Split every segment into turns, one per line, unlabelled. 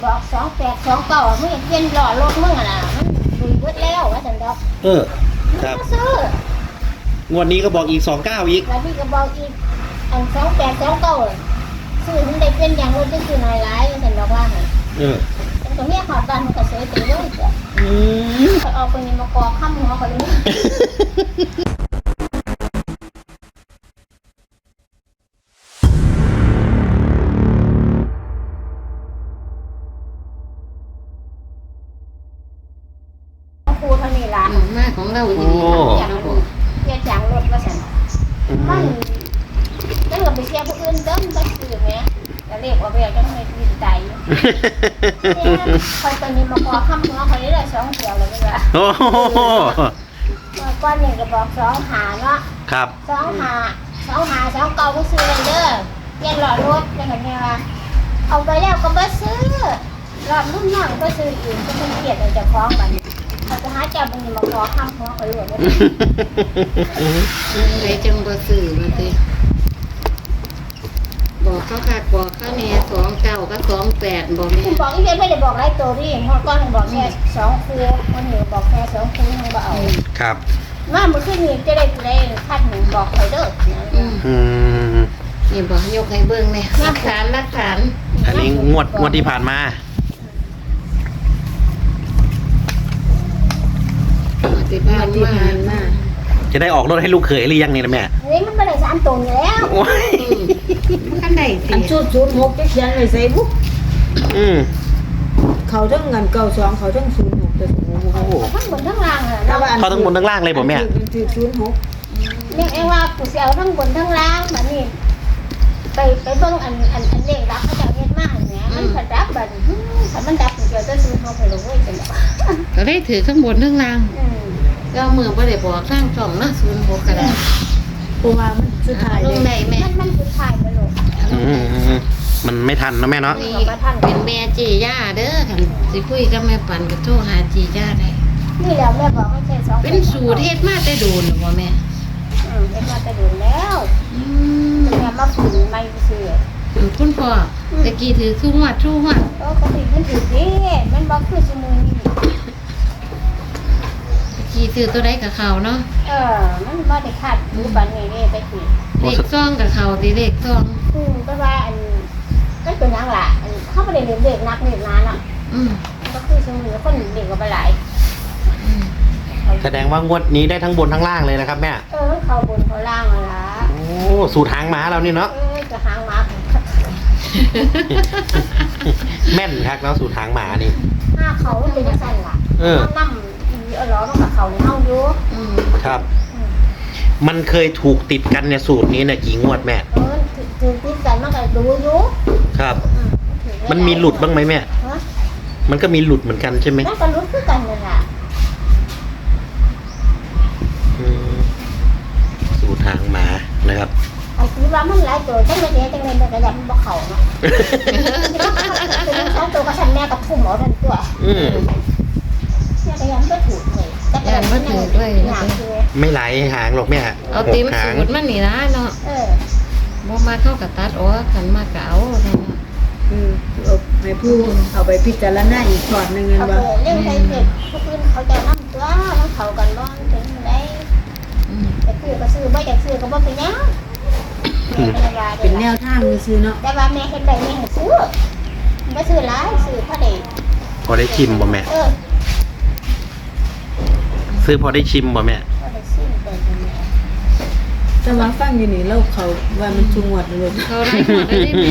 บอก2829มึงเปลี่ยนล้อรถมึงอ่ะนะมันดุยเบิดแล้วว่าซั่นดอก
ครับ
มาซื้อง
วดนี้ก็บอกอีก29อีก
แล้วพี่ก็บอกอีกอัน2829ซื้อมันได้เป็นอย่างรถจะซื้อน้อยหลายว่าซั่นดอกว่าหั่น แต่ก็เมียขอดบ้านมันก็เสียไปเลยจ้ะเขาเอาไปนี่มากอข้ามหัวเขาเลยครูเท่านี้ล่ะ
มากของเราดี
อย่างเพียจางรถว่าฉันมันนั่นก็ไปเที่ยวผู้อื่นเดิมไปซื้อแม่จะเรียกว่าเบี้ยจังไม่ดีใจคอยไปนี่มากอข้ามหัวเขาเลยได้2 เที่ยวเลยว่า
โอ้โห
ก้อนนี่ก็บอก2 หาเนาะ
ครับ
2 เก่าก็ซื้อเลยเด้อเปลี่ยนหลอดรถได้กันเนี่ยว่าเอาไปแล้วก็บ่ซื้อหลอดรุ่นน้องก็ซื้ออีกก็เป็นเกียรติเจ้าของบัดนี้เขาจะหาเจ้าบัดนี้มาขอค้ำหัวเขาอยู่เด้อ
ไปจังบ่ซื้อมาติบอกเขาค่ะบอกเขาแน่29กับ28บอกแม่
คุณบอกอีเวนไม่ได้บอกหลายตัวดิฮอดก้อนบอกแค่2 คู่วันนี้บอกแค่2 คู่ยังบ่เอา
ครับ
มาเมื่อคืนนี้จะได้คัดหนึ่งบอกเขาเด้อ
อืม
นี่บอกยกให้เบิ่งแม่หลักฐาน
อันนี้งวดที่ผ่านมา
ติดบ้านมา
จะได้ออกรถให้ลูกเขยหรือยังนี่นะแม่
นี่มันไม่ได้3 ตัวอยู่แล้ว
โอ้ย
คันใดสิ
อันชุด06จะเขียนไว้ใส่บุ๊ก
อืม
เขาทั้งเงิน92เขาทั้ง06แต่โอ้โห
ทั้งบนทั้งล่างอ่ะ
แต่ว่าอัน
เขาทั้งบนทั้งล่างเลยผมแม่
มันถือ06
เรียกเองว่ากูเสียวทั้งบนทั้งล่างแบบนี้ไปเบิ่งอันเลขรับเขาจะเฮ็ดมาเนี่ยมันผัดรับแบบถ้ามันดับเดี๋ยวจะซื้อเขาไปลงไว้จังได๋
ก็ได้ถือข้างบนข้างล่างก็มือบ่ได้บอกข้างช่องนะ06ก็ได้
เพราะว่ามันสุดท้าย
ล
เล
ง
ย
ได้แม่
มันสุดท้ายไปลง
มันไม่ทันนะแม่เนาะ
นี่เป็นแม่จีย่าเด้อคันสิคุยกับแม่ปันก็โทรหาจีย่าได้
นี่แหละแม่บอกให้ใช้2
เป็นสูตรเฮ็ดมาแต่โดนบ่แม่
เฮ็ดมาแต่ดูแล้ว
อืม
แม่มาฝืนไม่ซื้อ
คุณพ่อตะกี้ถือทุกงวด
ก็ผิดมันถือดิมันบ่คือซุมื้อนี้
ตะกี้ถือตัวใดกับเขาเนาะ
มันบ่ได้คาดรู้ปานนี้เด้ตะกี้
เลขซองกับเขาตีเลขซอง
ก็ว่าอันมันเป็นหยังล่ะอันเขาบ่ได้เรียนเด็กนักเรียนนานอ่ะ
อืม
ก็คือซุมื้อคนเด็กก็บ่หลาย
อืม
แสดงว่างวดนี้ได้ทั้งบนทั้งล่างเลยนะครับแม่
มันเข้าบนเข้าล่างล่ะ
โอ้สูตรหางม้าเรานี่เนาะ
จะหางหมา
แม่นครับแล้วสูตรหางหมานี่
ห้าเขาเป็นจังซั่นล่ะนำอีล้อมันก็เข้าในเฮาอยู่
อืม
ครับ มันเคยถูกติดกันเนี่ยสูตรนี้เนี่ยกี่งวดแม่
ถือติดกันมันก็ดูอยู่
ครับ มันมีหลุดบ้างไหมแม่ มันก็มีหลุดเหมือนกันใช่ไหม
มันก็หลุดคือกันนั่นล่ะ
อืมสูตรหางหมานะครับ
ไอ้ที่ว่ามันหลายตัวจังได๋จังได๋มันก็ยันบ่เข้าเนาะเป็น2 ตัวก็ฉันแม่ก็ทุ่มเอานั่นตัว
อืม
แม่ก็ยันบ่ถูกเลยแต่ก็ยันบ่ถูกด้วยนะ
ไม่ไหลหางหรอกแม่
เอาเต็ม
หาง
สูตรมันนี่นะเนาะ
Ừ.
บ่มาเข้ากับตัดอ๋อคันมากก็เอาเนาะ
เอาให้ผู้เอาไปพิจารณาอีกก่อนหนึงเงิน
เขา
ว่า
เล่นไทยเด็กทุกคนเขาจะนั่งตัวนั่งเขากันบ้างถึงได้
อืม
แต่คือก็ซื้อไม่อยากซื้อก็บ่เป็นยังแม่เป็นว่า
เป็นแนวทางซื่อๆเนาะ
แต่ว่าแม่เห็นได้แม่ให้ซื้อไม่ซื้อหลายซื้อพอดี
พอได้ชิมบ่แม่ ซื้อพอได้ชิมบ่แม่
พอได้ซื้อไปเป็นแม่
แต่ว่าฟังอยู่นี่เราเขาว่ามันชุงวดเลย
เขาได้หมดได้แม่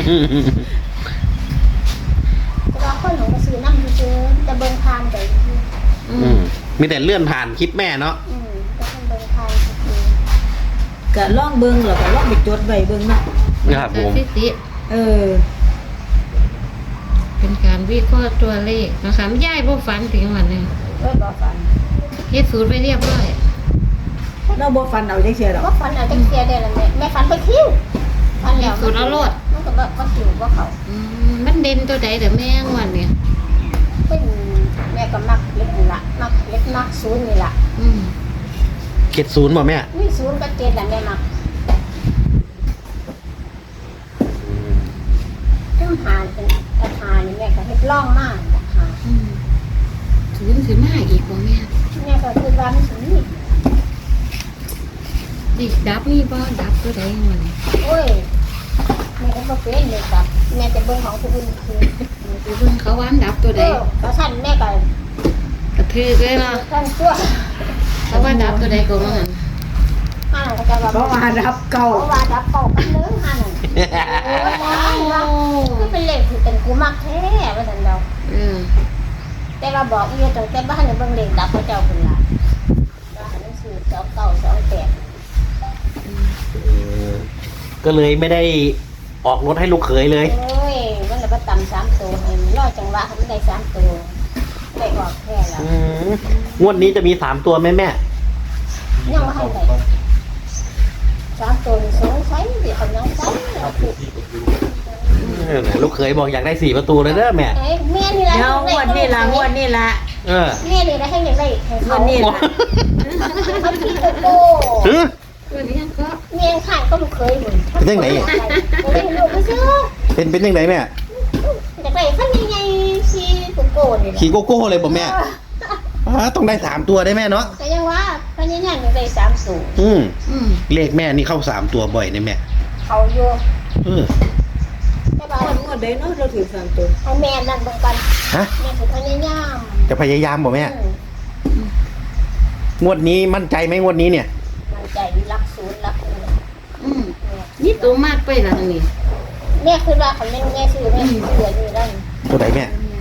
แต่ว่าคนหนูก็ซื้อน้ำซื้อแต่เบิ่งทานไป
อื
อื
ม
มมีแต่เลื่อนผ่านคลิปแม่เนาะ
แต่คนเบิ่งทานซื้อ
ก็ลองเบิ่งแล้วก็ลองไปจดไว้เบิ่งเนาะ
ครับผม
สถิติ
เออ
เป็นการวิเคราะห์ตัวเลขนะคะยายบ่ฝันถึงวันนึง
เว้ยบ่ฝัน
เฮ็ดสูตรไปเรียบร้อย
เราบ่ฟันเอาจังซี่ดอก
บ่ฝันเอาจังเสียได้ละแม่ฝันไปคิ้วฝันแล้วมันก็บ่คิ้วบ่เขา
อืมมันเด่นตัวใดเด้อแม่งวันเนี่ย
เป็นแม่ก็มักเล็กนี่ละมักเล็กมักศูนย์นี่ละ
อืม
70บ่แม่
นี่ศูนย์กับ7แหละแม่มักซึ่งหาเป็นหานี่แม่ก็เฮ็ฮ็ดร่องมากนะคะ
ศูนย์สิมาอีกบ่แม่
แม่ก็คือว่ามันสิมี
ดิดับนี่บ่ดับตัวใดมัน
โอ้ยแม่ก็บ่เป็นเลยครับแม่จะเบิ่งของผู้อื่นคือ
ไปเบิ่งเขาว่าอันดับตัวใด
ก็สั่นแม่ก็
กระทือเลยเนาะ
ทั้งตัว
เขาว่าดับตัวใดก็ว่างั้น
ก็จะว่า
เพราะว่ารับเก่า
เพราะว่าดับเก่ากันเด้อหั่นโอ้ยว่าคือเป็นเลขที่เป็นกูมักแท้ว่าซั่นดอก
เออ
แต่ว่าบอกอีตั้งแต่บ้านเนี่ยเบิ่งเลขดับพระเจ้าพุ่นล่ะว่าหนังสือ2928
ก็เลยไม่ได้ออกรถให้ลูกเขยเลย
โอ้ยมันน่ะบ่ต่ำ3ตัวให้มันรอจังหวะให้มันได้3ตัวได้ออกแค่แล้ว
งวดนี้จะมี3ตัวไหมแม่
ยังบ่ทันได้3ตัวนี่สงสัยสิเขายังใส่
ลูกเขยบอกอยากได้4 ประตูเลยเด้อแม่
เอ้ยแม่นี่ล่ะ
เดี๋ยวงวดนี่ละ
เออ
แม่นี่ล่ะให้ยังได้ให้
ง
เขา
วดนี่ละ
เขาคิดโก้
ฮึ
ตัวนี้ก็
เมียข้างก็ลูกเคยเหมือน
เป็นจังไหน
เป็นลูกไม่ซื้อ
เป็นยังไงแม่
อยากได้ขั้นใหญ่ๆชีโก้นี่แหละ
ขี่โกโก้เลยบอกแม่ต้องได้3 ตัวได้แม่เนาะ
แต่ยังว่าขั้นใหญ่ๆอยากได้3สูง
อืม
เลขแม่นี่เข้า3 ตัวบ่อยนะแม่
เขาอยู่ แต่ว่าง
วดใดเนาะเราถือ3ตัว
เอาแม่นั่นเบิ่งกัน
ฮะ
แม่คือพยายาม
จะพยายามบอกแม่ งวดนี้มั่นใจไหมงวดนี้เนี่ย
มันใจรักศูนย์รักหนึ่ง
นี่ตัวมากไปละนี่
แม่คือว่าเขาแม่ซื้อแม่ซื้ออยู่นั่น
ตัวไหนแม่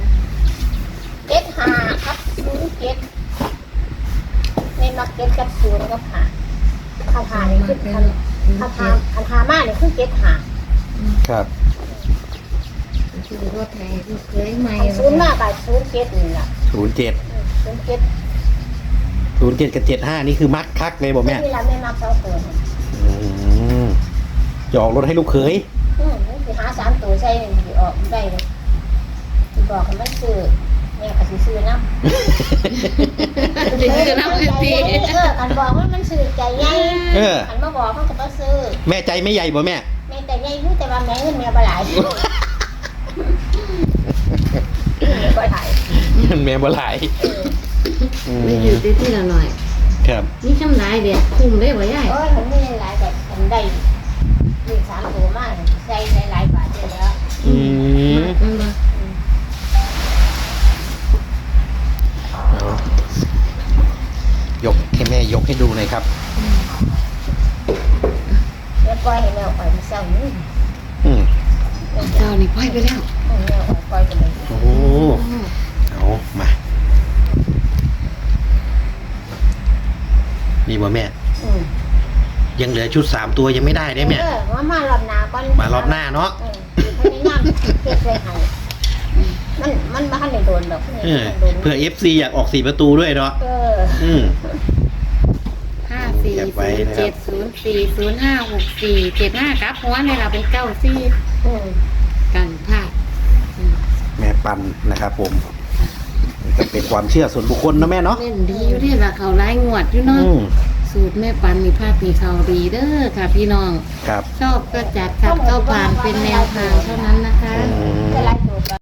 75ครับ07แม่มัก7กับ0กับ5คานี่คือคามานี่คือ75
ครับ
คือรถไทยที่เคยใหม่
ศูนย์มากกับ07นี่ล่ะ
07
07
07กับ75นี่คือมักคักเลยบอกแม่
นี่ล่ะแม่มัก2ตัว
จะออกรถให้ลูกเขย
สิหา3ตัวใส่นี่สิออกได้เลยสิบอกให้มันซื้อแม่ก็สิซื้อนำ
ถึงจะนับเป็นปี
คันบอกว่ามันซื้อใจใหญ่
เออ
คันมาบอกมันก็บ่ซื้อ
แม่ใจไม่ใหญ่บ่แม่
แม่ใจใหญ่อยู่แต่ว่าแม่เงินแม่บ่หลายแม่บ่หลาย
แม่บ่หลาย
ไม่อยู่ที่ละหน่อย
ครับ
นี่ช่ำลายเด็กคุ้มได้บ่ยาย
โอ้ยมันมีหลายแบบมันได้มี3ตัวมาใส่หลายบาทอยู่แล้ว
เอายกให้แม่ยกให้ดูหน่อยครับ
แม่ปล่อยให้แม่ปล่อยมันเศร้านี่
อืม
เจ้านี่พ่อยไปแล้ว
แม่ปล่อยไปเลย
โอ้เอามา นี่บ่แม่ ยังเหลือชุด3 ตัวยังไม่ได้ได้แม่
มารอบหน้าก่อน
มารอบหน้าเนาะ
พยายามเก็บไว้ให้มันบ่ทันได้โดนดอก
เผื่อ FC อยากออก4 ประตูด้วยเนาะ อืม
540704056475ครับเพราะว่าในเราเป็น94กันพลาด
แม่ปันนะครับผมก็เป็นความเชื่อส่วนบุคคลนะแม่เนาะ
เล่นดีอยู่ที่ละเขาไล่งวดอยู่เนาะสูตรแม่ปันมีภาพมีเขาดีเด้อค่ะพี่น้อง
ครับ
ชอบก็จัดขับก็ผ่านเป็นแนวทางเท่านั้นนะคะ
จะไล่ตัว